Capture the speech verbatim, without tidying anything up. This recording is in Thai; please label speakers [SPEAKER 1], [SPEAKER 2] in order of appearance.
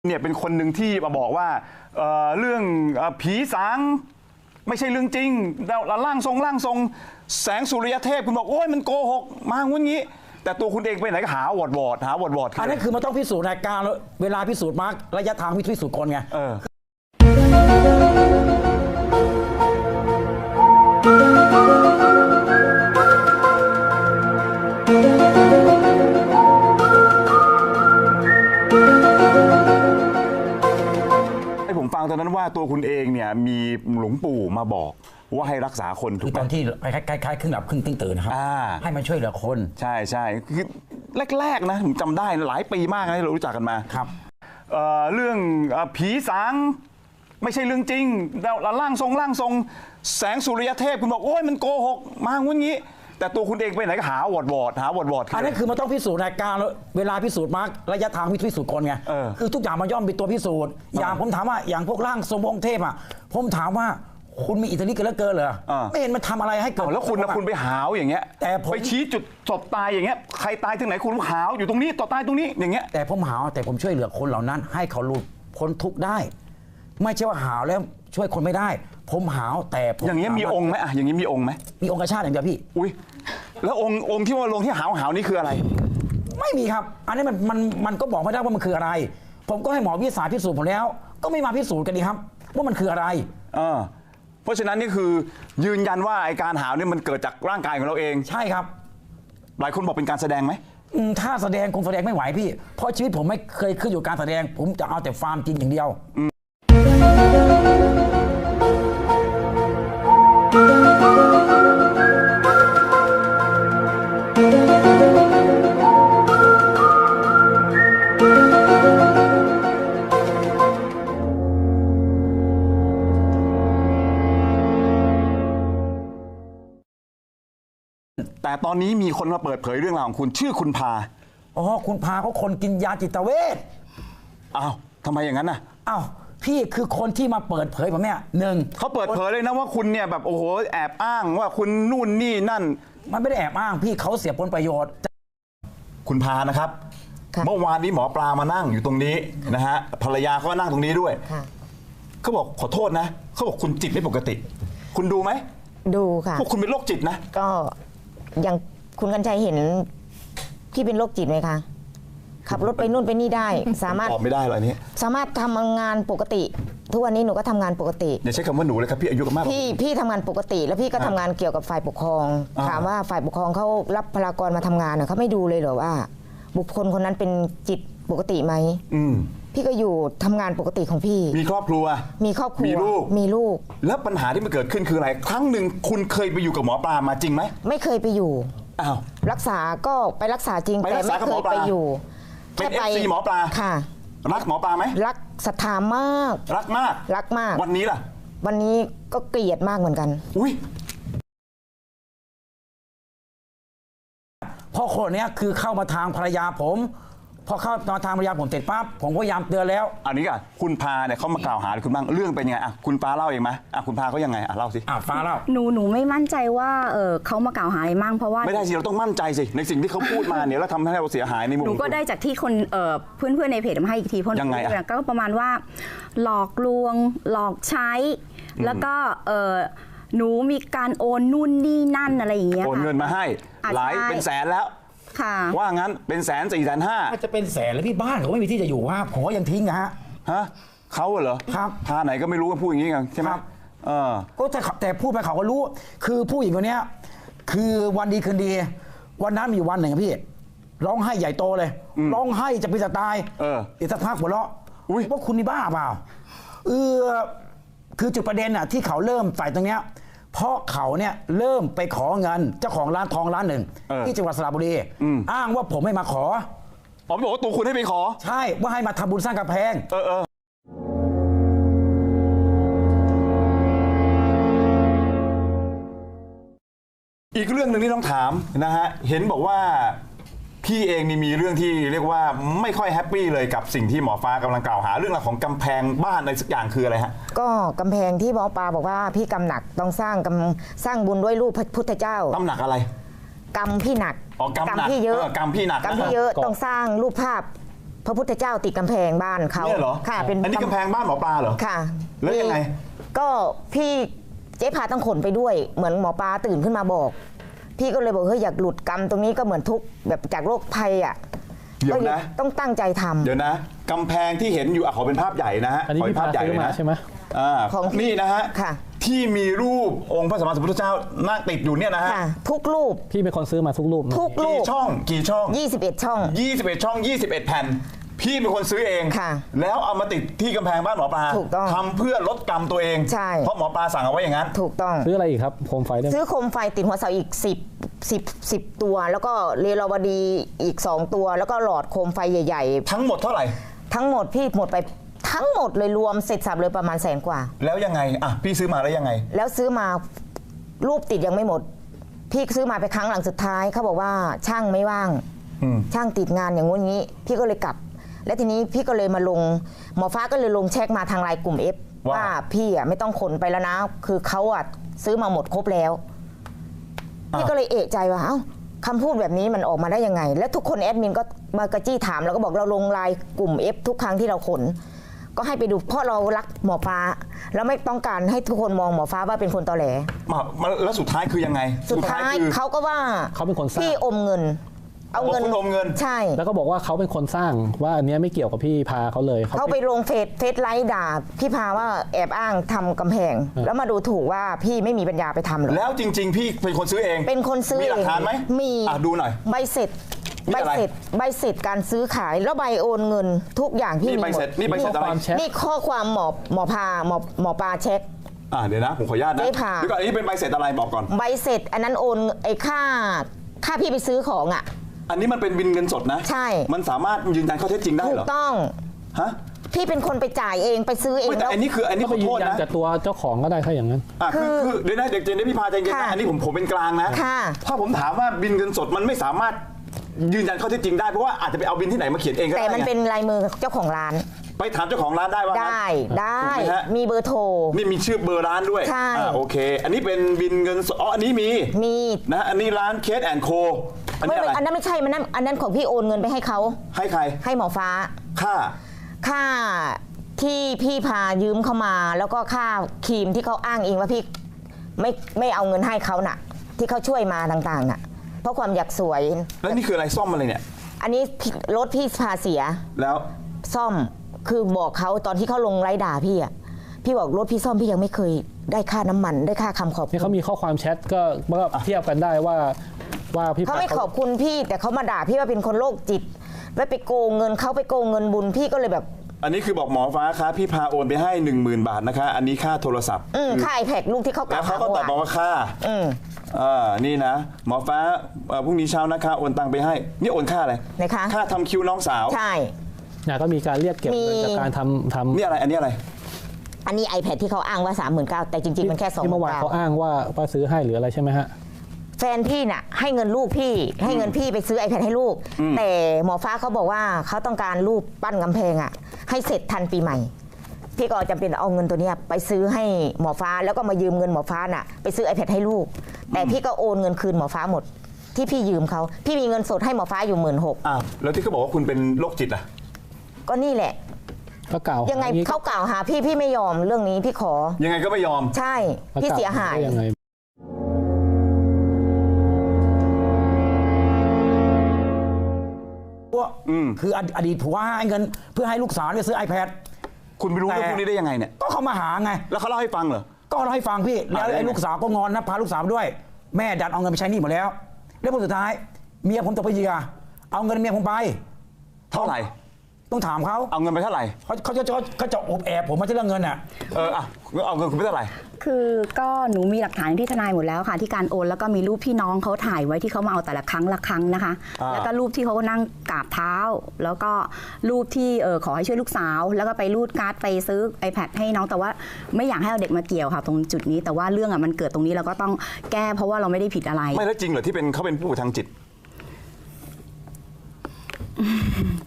[SPEAKER 1] เนี่ยเป็นคนหนึ่งที่มาบอกว่าเอ่อเรื่องเอ่อผีสางไม่ใช่เรื่องจริงแล้วร่างทรงร่างทรงแสงสุริยเทพคุณบอกโอ้ยมันโกหกมางุ้นงี้แต่ตัวคุณเองไปไหนก็หาวอดวอดหาวอดวอด
[SPEAKER 2] อันนั้นคือมันต้องพิสูจน์ในการเวลาพิสูจน์มาร์กระยะทางพิสูจน์คนไง
[SPEAKER 1] เออให้ผมฟังตอนนั้นว่าตัวคุณเองเนี่ยมีหลวงปู่มาบอกว่าให้รักษาคนถูกไหม
[SPEAKER 2] คือตอนที่คล้ายๆครึ่งหลับครึ่งตื่นนะครับให้มันช่วยเหลือคน
[SPEAKER 1] ใช่ใช่คือแรกๆนะผมจำได้หลายปีมากนะที่เรารู้จักกันมา
[SPEAKER 2] ครับ
[SPEAKER 1] เอ่อเรื่องผีสางไม่ใช่เรื่องจริงแล้วร่างทรงร่างทรงแสงสุริยเทพคุณบอกโอ้ยมันโกหกมางุ้นงี้แต่ตัวคุณเองไปไหนก็หาวอดวอดหาวอดวอด
[SPEAKER 2] อันนั้นคือมันต้องพิสูจน์ในการเวลาพิสูจน์มาร์กระยะทางพิสูจน์คนไงคือทุกอย่างมันย่อมเป็นตัวพิสูจน์อย่างผมถามว่าอย่างพวกร่างทรงองค์เทพอ่ะผมถามว่าคุณมีอิทธิฤทธิ์กันเหลือเกินเหรอไม่เห็นมันทำอะไรให้เกิด
[SPEAKER 1] แล้วคุณนะคุณไปหาวอย่างเงี้ย
[SPEAKER 2] แต่
[SPEAKER 1] ไปชี้จุดศพตายอย่างเงี้ยใครตายที่ไหนคุณหาวอยู่ตรงนี้ต่อตายตรงนี้อย่างเงี้ย
[SPEAKER 2] แต่ผมหาวแต่ผมช่วยเหลือคนเหล่านั้นให้เขาหลุดพ้นทุกข์ได้ไม่ใช่ว่าหาวแล้วช่วยคนไม่ได้ผมหาวแต่
[SPEAKER 1] อย่างเงี้ยมีองค์ไหมอ่ะอย่างงี้มีองค์ไหม
[SPEAKER 2] มีองค์กระชาติอย่างเดียวพี่
[SPEAKER 1] อุ้ยแล้วองค์องค์ที่ว่าลงที่หาวหาวนี่คืออะไร
[SPEAKER 2] ไม่มีครับอันนี้มันมันมันก็บอกไม่ได้ว่ามันคืออะไรผมก็ให้หมอวิทยาศาสตร์พิสูจน์ผมแล้วก็ไม่มาพิสูจน์กันดีครับว่ามันคืออะไร
[SPEAKER 1] เออเพราะฉะนั้นนี่คือยืนยันว่าไอการหาวนี่มันเกิดจากร่างกายของเราเอง
[SPEAKER 2] ใช่ครับ
[SPEAKER 1] หลายคนบอกเป็นการแสดงไหม
[SPEAKER 2] ถ้าแสดงคงแสดงไม่ไหวพี่เพราะชีวิตผมไม่เคยขึ้นอยู่การแสดงผมจะเอาแต่ฟาร์มจริงอย่างเดียว
[SPEAKER 1] แต่ตอนนี้มีคนมาเปิดเผยเรื่องราวของคุณชื่อคุณพา
[SPEAKER 2] อ๋อคุณพาเขาคนกินยาจิตเวช
[SPEAKER 1] อ้าวทำไมอย่างนั้นน่ะ
[SPEAKER 2] อ้าวพี่คือคนที่มาเปิดเผยผมเนี่ยหนึ่ง
[SPEAKER 1] เขาเปิดเผยเลยนะว่าคุณเนี่ยแบบโอ้โหแอบอ้างว่าคุณนู่นนี่นั่น
[SPEAKER 2] มันไม่ได้แอบอ้างพี่เขาเสียผลประโยชน์
[SPEAKER 1] คุณพานะครับเมื่อวานนี้หมอปลามานั่งอยู่ตรงนี้นะฮะภรรยาเขาก็นั่งตรงนี้ด้วยเขาบอกขอโทษนะเขาบอกคุณจิตไม่ปกติคุณดูไหม
[SPEAKER 3] ดูค่ะ
[SPEAKER 1] พวกคุณเป็นโรคจิตนะ
[SPEAKER 3] ก็อย่างคุณกัญชัยเห็นที่เป็นโรคจิตไหมคะขับรถไปนู่นไปนี่ได้สามารถ
[SPEAKER 1] ตอบไม่ได้หรออันนี้
[SPEAKER 3] สามารถทำงานปกติทุกวันนี้หนูก็ทำงานปกติ
[SPEAKER 1] อย่าใช้คำว่าหนูเลยครับพี่อายุก็มาก
[SPEAKER 3] พี่พี่ทำงานปกติแล้วพี่ก็ทำงานเกี่ยวกับฝ่ายปกครองถามว่าฝ่ายปกครองเขารับพลากรมาทำงานเขาไม่ดูเลยเหรอว่าบุคคลคนนั้นเป็นจิตปกติไหมพี่ก็อยู่ทำงานปกติของพี่
[SPEAKER 1] มีครอบครัว
[SPEAKER 3] มีครอบครัว
[SPEAKER 1] มีลูก
[SPEAKER 3] มีลูก
[SPEAKER 1] แล้วปัญหาที่มันเกิดขึ้นคืออะไรครั้งหนึ่งคุณเคยไปอยู่กับหมอปลามาจริงไหม
[SPEAKER 3] ไม่เคยไปอยู่
[SPEAKER 1] อ้าว
[SPEAKER 3] รักษาก็ไปรักษาจริงแต่ไม่เคยไปอยู่
[SPEAKER 1] เป็น เอฟ ซี หมอปลา
[SPEAKER 3] ค่ะ
[SPEAKER 1] รักหมอปลาไหม
[SPEAKER 3] รักศรัทธามาก
[SPEAKER 1] รักมาก
[SPEAKER 3] รักมาก
[SPEAKER 1] วันนี้ล่ะ
[SPEAKER 3] วันนี้ก็เกลียดมากเหมือนกัน
[SPEAKER 1] อุ้ย
[SPEAKER 2] พ่อคนนี้คือเข้ามาทางภรรยาผมพอเข้ามาทางภรรยาผมเสร็จปั๊บผมก็พยายามเตือนแล้ว
[SPEAKER 1] อันนี้ก่ะคุณพาเนี่ยเขามากล่าวหาคุณบ้างเรื่องเป็นยังไงอ่ะคุณฟ้าเล่าเองไหมอ่ะคุณพาเขายังไงอ่ะเล่าสิ
[SPEAKER 2] อ่ะฟ้าเล่า
[SPEAKER 4] หนูหนูไม่มั่นใจว่าเออเขามากล่าวหาอะไรมั่งเพราะว่า
[SPEAKER 1] ไม่ได้สิเราต้องมั่นใจสิในสิ่งที่เขาพูดมาเนี่ยแล้วทำให้เราเสียหายในมุม
[SPEAKER 4] หนูก็ได้จากที่คนเออเพื่อนเพื่อนในเพจมาให้อีกทีเพราะ
[SPEAKER 1] ยังไงอ่ะ
[SPEAKER 4] ก็ประมาณว่าหลอกลวงหลอกใช้แล้วก็เออหนูมีการโอนนู่นนี่นั่นอะไรอย่างเงี้ย
[SPEAKER 1] โอนเงินมาให้หลายเป็นแสนแล้วว่างั้นเป็นแสนสี่แสนห้า
[SPEAKER 2] ถ้าจะเป็นแสนแล้วพี่บ้านเขาไม่มีที่จะอยู่ว่าผมก็ยังทิ้งนะฮะ
[SPEAKER 1] ฮะเขาเหรอ
[SPEAKER 2] ครับ
[SPEAKER 1] พาไหนก็ไม่รู้ก็พูดอย่างนี้กันใช่ไหมเออ
[SPEAKER 2] ก็แต่แต่พูดไปเขาก็รู้คือผู้หญิงคนนี้คือวันดีคืนดีวันนั้นมีวันหนึ่งพี่ร้องไห้ใหญ่โตเลยร้องไห้จะเป็นจะตาย
[SPEAKER 1] เออ
[SPEAKER 2] อีกสักพักหัวเราะว่าคุณนี่บ้าเปล่าเออคือจุดประเด็นอ่ะที่เขาเริ่มใส่ตรงเนี้ยเพราะเขาเนี่ยเริ่มไปขอเงินเจ้าของร้านทองร้านหนึ่งที่จังหวัดสระบุรีอ้างว่าผมไม่มาขอ
[SPEAKER 1] อ๋อบอกว่าตัวคุณให้ไปขอ
[SPEAKER 2] ใช่ว่าให้มาทำบุญสร้างกำแพง
[SPEAKER 1] เออเอออีกเรื่องหนึ่งที่ต้องถามนะฮะเห็นบอกว่าพี่เองนี่มีเรื่องที่เรียกว่าไม่ค่อยแฮปปี้เลยกับสิ่งที่หมอฟ้ากำลังกล่าวหาเรื่องราวของกำแพงบ้านอะไรสักอย่างคืออะไรฮะ
[SPEAKER 3] ก็กำแพงที่หมอปลาบอกว่าพี่กำหนักต้องสร้างกำสร้างบุญด้วยรูปพระพุทธเจ้าก
[SPEAKER 1] ำหนักอะไร
[SPEAKER 3] กำพี่หนัก
[SPEAKER 1] อ๋อกำหนัก
[SPEAKER 3] พี่เยอะ
[SPEAKER 1] กำพี่หนัก
[SPEAKER 3] กำพี่เยอะต้องสร้างรูปภาพพระพุทธเจ้าติดกำแพงบ้านเขา
[SPEAKER 1] เนี่ยเหรอ
[SPEAKER 3] ค่ะเป็น
[SPEAKER 1] อันนี้กำแพงบ้านหมอปลาเหรอ
[SPEAKER 3] ค่ะ
[SPEAKER 1] แล้วยังไง
[SPEAKER 3] มีก็พี่เจ๊พาต้องขนไปด้วย เหมือนหมอปลาตื่นขึ้นมาบอก พี่ก็เลยบอกเฮ้ยอยากหลุดกรรมตรงนี้ก็เหมือนทุกข์แบบจากโรคภัยอ่ะ
[SPEAKER 1] เดี๋ยว
[SPEAKER 3] ก็
[SPEAKER 1] นะ
[SPEAKER 3] ต้องตั้งใจทำ
[SPEAKER 1] เดี๋ยวนะกำแพงที่เห็นอยู่อ่ะขอเป็นภาพใหญ่นะฮะ
[SPEAKER 5] อันนี้
[SPEAKER 1] ขอเป็
[SPEAKER 5] พี่
[SPEAKER 1] นภา
[SPEAKER 5] พา
[SPEAKER 1] พใหญ่
[SPEAKER 5] ซื้
[SPEAKER 1] เล
[SPEAKER 5] อย มา
[SPEAKER 1] นะ
[SPEAKER 5] ใช่ไหม
[SPEAKER 1] อ่า
[SPEAKER 3] ของ
[SPEAKER 1] นี่นะฮะ
[SPEAKER 3] ค่ะ
[SPEAKER 1] ที่มีรูปองค์พระสัมมาสัมพุทธเจ้านั่งติดอยู่เนี่ยนะฮะ
[SPEAKER 3] ค่ะ ทุกรูป
[SPEAKER 5] พี่เป็นคนซื้อมาทุกรูปนะ
[SPEAKER 3] ทุกรู
[SPEAKER 1] กี่
[SPEAKER 3] ป
[SPEAKER 1] ช่องกี่ช่อง
[SPEAKER 3] ยี่สิบเอ็ดช่อง
[SPEAKER 1] ยี่สิบเอ็ดช่องยี่สิบเอ็ดแผ่นพี่เป็นคนซื้อเอง
[SPEAKER 3] ค่ะ
[SPEAKER 1] แล้วเอามาติดที่กำแพงบ้านหมอปลา
[SPEAKER 3] ถูกต้อง
[SPEAKER 1] ทำเพื่อลดกรรมตัวเอง
[SPEAKER 3] ใช่
[SPEAKER 1] เพราะหมอปลาสั่งเอาไว้อย่างนั้น
[SPEAKER 3] ถูกต้อง
[SPEAKER 5] ซื้ออะไรอีกครับโคมไฟด้วย
[SPEAKER 3] ซื้อโคมไฟติดหัวเสาอีกสิบ สิบ สิบตัว แล้วก็เรลาวดีอีกสองตัว แล้วก็หลอดโคมไฟใหญ่
[SPEAKER 1] ทั้งหมดเท่าไหร่
[SPEAKER 3] ๆ ทั้งหมดพี่หมดไปทั้งหมดเลยรวมเสร็จสับเลยประมาณแสนกว่า
[SPEAKER 1] แล้วยังไงอ่ะพี่ซื้อมาแล้วยังไง
[SPEAKER 3] แล้วซื้อมารูปติดยังไม่หมด พี่ซื้อมาไปครั้งหลังสุดท้ายเขาบอกว่าช่างไม่ว่าง
[SPEAKER 1] อืม
[SPEAKER 3] ช่างติดงานอย่างงู้นอย่างนี้ พี่ก็เลยกลับ และทีนี้พี่ก็เลยมาลงหมอฟ้าก็เลยลงเช็คมาทางไลน์กลุ่ม F
[SPEAKER 1] ว่า
[SPEAKER 3] ว่าพี่อ่ะไม่ต้องขนไปแล้วนะ คือเขาอ่ะซื้อมาหมดครบแล้ว พี่ก็เลยเอะใจว่าเอ้าคำพูดแบบนี้มันออกมาได้ยังไง และทุกคนแอดมินก็มากระจี้ถามแล้วก็บอกเราลงไลน์กลุ่ม F ทุกครั้งที่เราขน ก็ให้ไปดูเพราะเรารักหมอฟ้า แล้วไม่ต้องการให้ทุกคนมองหมอฟ้าว่าเป็นคนตอแหล
[SPEAKER 1] มามาแล้วสุดท้ายคือยังไง
[SPEAKER 3] สุดท้าย
[SPEAKER 1] คือ
[SPEAKER 3] เขาก็ว่า
[SPEAKER 5] เขาเป็นคนสร้าง
[SPEAKER 3] พี่อมเงิน เอาเงิน
[SPEAKER 1] บอกคุณอมเงิน
[SPEAKER 3] ใช่
[SPEAKER 5] แล้วก็บอกว่าเขาเป็นคนสร้างว่าอันเนี้ยไม่เกี่ยวกับพี่พาเขาเลย
[SPEAKER 3] เขาไปลงเฟซเฟซไลฟ์ด่าพี่พาว่าแอบอ้างทำกำแพง แล้วมาดูถูกว่าพี่ไม่มีปัญญาไปทำหรอก
[SPEAKER 1] แล้วจริง ๆ พี่เป็นคนซื้อเอง
[SPEAKER 3] เป็นคนซื้อ
[SPEAKER 1] มีหลักฐานไหม
[SPEAKER 3] มี
[SPEAKER 1] อ่ะดูหน่อย
[SPEAKER 3] ใบเสร็จ
[SPEAKER 1] นี่
[SPEAKER 3] ใบ
[SPEAKER 1] อะไร
[SPEAKER 3] เสร็จใบเสร็จการซื้อขายแล้วใบโอนเงิน ทุกอย่างพี่
[SPEAKER 1] นี่
[SPEAKER 3] มี
[SPEAKER 1] ใบ
[SPEAKER 3] หม
[SPEAKER 1] เสร็
[SPEAKER 3] ด
[SPEAKER 1] จนี่ใบเสร็จ
[SPEAKER 5] ข้อ
[SPEAKER 1] อะไร
[SPEAKER 5] ความแชท
[SPEAKER 3] นี่ข้อความหมอหมอพาหมอหมอปลาเช็ค
[SPEAKER 1] อ่าเดี๋ยวนะผมขออนุญาตนะ
[SPEAKER 3] ได้ค่ะ
[SPEAKER 1] เดี๋ยวก่อนอันนี้เป็นใบเสร็จอะไรบอกก่อน
[SPEAKER 3] ใบเสร็จอันนั้นโอนไอ้ค่าค่าพี่ไปซื้อของอ่ะ
[SPEAKER 1] อันนี้มันเป็นบินเงินสดนะ
[SPEAKER 3] ใช่
[SPEAKER 1] มันสามารถยืนยันข้อเท็จจริงได้
[SPEAKER 3] ถู
[SPEAKER 1] เหร
[SPEAKER 3] ก
[SPEAKER 1] อ
[SPEAKER 3] ต้อง
[SPEAKER 1] ฮะ
[SPEAKER 3] พี่เป็นคนไปจ่ายเองไปซื้อเอง
[SPEAKER 1] เฮ้ยแต่
[SPEAKER 3] แล้ว
[SPEAKER 1] อันนี้คืออันนี้
[SPEAKER 5] ก็
[SPEAKER 1] ข
[SPEAKER 5] ไป
[SPEAKER 1] อ
[SPEAKER 5] ยื
[SPEAKER 1] โท
[SPEAKER 5] น
[SPEAKER 1] ษ
[SPEAKER 5] ยัน
[SPEAKER 1] นะ
[SPEAKER 5] กับตัวเจ้าของก็ได้ถ้าอย่างนั้น
[SPEAKER 1] อ่ะคือ
[SPEAKER 3] คือ
[SPEAKER 1] คือเดี๋ยวนะเด็กเจนได้พี่พาใจเย็น
[SPEAKER 3] ค่ะ
[SPEAKER 1] นะอันนี้ผมผมเป็นกลางนะ
[SPEAKER 3] ค่ะ
[SPEAKER 1] ถ้าผมถามว่าบินเงินสดมันไม่สามารถยืนยันข้อเท็จจริงได้เพราะว่าอาจจะไปเอาบินที่ไหนมาเขียนเองก็
[SPEAKER 3] แต่
[SPEAKER 1] ได้
[SPEAKER 3] มัน
[SPEAKER 1] ไง
[SPEAKER 3] เป็นลายมือเจ้าของร้าน
[SPEAKER 1] ไปถามเจ้าของร้านได้ว่างั้น
[SPEAKER 3] ได้ได้
[SPEAKER 1] ถูกไหมฮะ
[SPEAKER 3] มีเบอร์โทร
[SPEAKER 1] นี่มีชื่อเบอร์ร้านด้วย
[SPEAKER 3] ใช่
[SPEAKER 1] อ่าโอเค อันนี้เป็นบินเงินสดอ๋ออันนี้มี
[SPEAKER 3] มี
[SPEAKER 1] นะอันนี้ร้านเคสแอนโคอัน
[SPEAKER 3] ไม่
[SPEAKER 1] นี้อะไร
[SPEAKER 3] ไม่อันนั้นไม่ใช่มันนั้นอันนั้นของพี่โอนเงินไปให้เขา
[SPEAKER 1] ให้ใคร
[SPEAKER 3] ให้หมอฟ้า
[SPEAKER 1] ค่า
[SPEAKER 3] ค่าที่พี่พายืมเข้ามา แล้วก็ค่าครีมที่เขาอ้างเองว่าพี่ไม่ไม่เอาเงินให้เขาน่ะ ที่เขาช่วยมาต่างๆน่ะ เพราะความอยากสวย
[SPEAKER 1] แล้วนี่คืออะไรซ่อมอะไรเนี่ย
[SPEAKER 3] อันนี้พี่รถพี่พาเสีย
[SPEAKER 1] แล้ว
[SPEAKER 3] ซ่อมคือบอกเขาตอนที่เขาลงไลฟ์ด่าพี่อ่ะพี่บอกรถพี่ซ่อมพี่ยังไม่เคยได้ค่าน้ำมันได้ค่าคำขอบคุ
[SPEAKER 5] นี่
[SPEAKER 3] ณ
[SPEAKER 5] เขามีข้อความแชทก็ก็เทียบกันได้ว่าว่าพี่
[SPEAKER 3] เขา
[SPEAKER 5] พา
[SPEAKER 3] ไม่ขอบคุณพี่แต่เขามาด่าพี่ว่าเป็นคนโรคจิตไว้ไปโกงเงินเขาไปโกงเงินบุญพี่ก็เลยแบบ
[SPEAKER 1] อันนี้คือบอกหมอฟ้าคะพี่พาโอนไปให้ หนึ่งหมื่น บาทนะคะ อันนี้ค่าโทรศัพท์
[SPEAKER 3] อืมค่าไอแพดลูกที่เขาก
[SPEAKER 1] แล้
[SPEAKER 3] ล่าว วหา
[SPEAKER 1] เขาก็ตอบมา
[SPEAKER 3] เมื่อวาน
[SPEAKER 1] ว่าค่า
[SPEAKER 3] อืม
[SPEAKER 1] อ่านี่นะ หมอฟ้าเอ่อพรุ่งนี้เช้านะคะโอนตังไปให้ นี่โอนค่าอะไร
[SPEAKER 3] นะคะ
[SPEAKER 1] ค่าทำคิวน้องสาว
[SPEAKER 3] ใช่
[SPEAKER 5] เนี่ยก็มีการเรียกเก็บเงิน
[SPEAKER 3] มี
[SPEAKER 5] จากการทำทำ
[SPEAKER 1] นี่อะไรอันนี้อะไร
[SPEAKER 3] อันนี้ iPad ที่เขาอ้างว่า สามหมื่นเก้าพัน แต่จริง ๆ มันแค่สองห
[SPEAKER 5] ที่
[SPEAKER 3] มื่
[SPEAKER 5] เมื่อน วาน
[SPEAKER 3] เก้า
[SPEAKER 5] เขาอ้างว่าว่าซื้อให้หรืออะไรใช่ไหมฮะ
[SPEAKER 3] แฟนพี่น่ะให้เงินลูกพี่ ให้เงินพี่ไปซื้อ iPad ให้ลูก แต่หมอฟ้าเขาบอกว่าเขาต้องการรูปปั้นกำแพงอ่ะ ให้เสร็จทันปีใหม่ พี่ก็จำเป็นเอาเงินตัวเนี้ยไปซื้อให้หมอฟ้าแล้วก็มายืมเงินหมอฟ้าน่ะไปซื้อ iPad ให้ลูก แต่พี่ก็โอนเงินคืนหมอฟ้าหมด ที่พี่ยืมเขาพี่มีเงินสดให้หมอฟ้าอยู่หมื่นหก
[SPEAKER 1] อ้าว แล้วที่เขาบอกว่าคุณเป็นโรคจิตอ่ะ
[SPEAKER 3] ก็นี่แหละ
[SPEAKER 5] ก็กล่าว
[SPEAKER 3] ยังไง
[SPEAKER 5] หาอ
[SPEAKER 3] เขากล่าวหาพี่พี่ไม่ยอมเรื่องนี้พี่ขอ
[SPEAKER 1] ยังไงก็ไม่ยอม
[SPEAKER 3] ใช่
[SPEAKER 5] ก็
[SPEAKER 3] พี่
[SPEAKER 5] กล่ว
[SPEAKER 3] เสียหาย
[SPEAKER 5] ได้ยังไง
[SPEAKER 1] อืม
[SPEAKER 2] คืออดีตผัวให้เงินเพื่อให้ลูกสาวไปซื้อ iPad
[SPEAKER 1] คุณไปรู้เรื่องพวกนี้ได้ยังไงเนี่ย
[SPEAKER 2] ก็เขามาหาไง
[SPEAKER 1] แล้วเขาเล่าให้ฟังเหรอ
[SPEAKER 2] ก็เราให้ฟังพี่แล้ว
[SPEAKER 1] อ่าแล้ว
[SPEAKER 2] ไอ้
[SPEAKER 1] ไง
[SPEAKER 2] ลูกสาวก็งอนนะพาลูกสาวมาด้วย แม่ดันเอาเงินไปใช้หนี้หมดแล้ว แล้วผลสุดท้าย เมียผมตกเป็นเหยื่อเอาเงินเมียผมไป
[SPEAKER 1] เท่าไหร่
[SPEAKER 2] ต้องถามเขา
[SPEAKER 1] เอาเงินไปเท่าไหร่
[SPEAKER 2] เขาเขาจะเขาเขาจะอบแอบผมมาที่เรื่องเงินอ่ะ
[SPEAKER 1] เอออ่ะเอาเงินคุณไปเท่าไหร่
[SPEAKER 4] คือก็หนูมีหลักฐานที่ทนายหมดแล้วค่ะ ที่การโอนแล้วก็มีรูปพี่น้องเขาถ่ายไว้ที่เขามาเอาแต่ละครั้งละครั้งนะคะ
[SPEAKER 1] อ่า
[SPEAKER 4] แล้วก็รูปที่เขานั่งกราบเท้า แล้วก็รูปที่เออขอให้ช่วยลูกสาว แล้วก็ไปรูดการ์ดไปซื้อ iPad ให้น้องแต่ว่าไม่อยากให้เอาเด็กมาเกี่ยวค่ะ ตรงจุดนี้แต่ว่าเรื่องอ่ะมันเกิดตรงนี้เราก็ต้องแก้เพราะว่าเราไม่ได้ผิดอะไร
[SPEAKER 1] ไม่แล้วจริงเหรอที่เป็นเขาเป็นผู้ป่วยทางจิต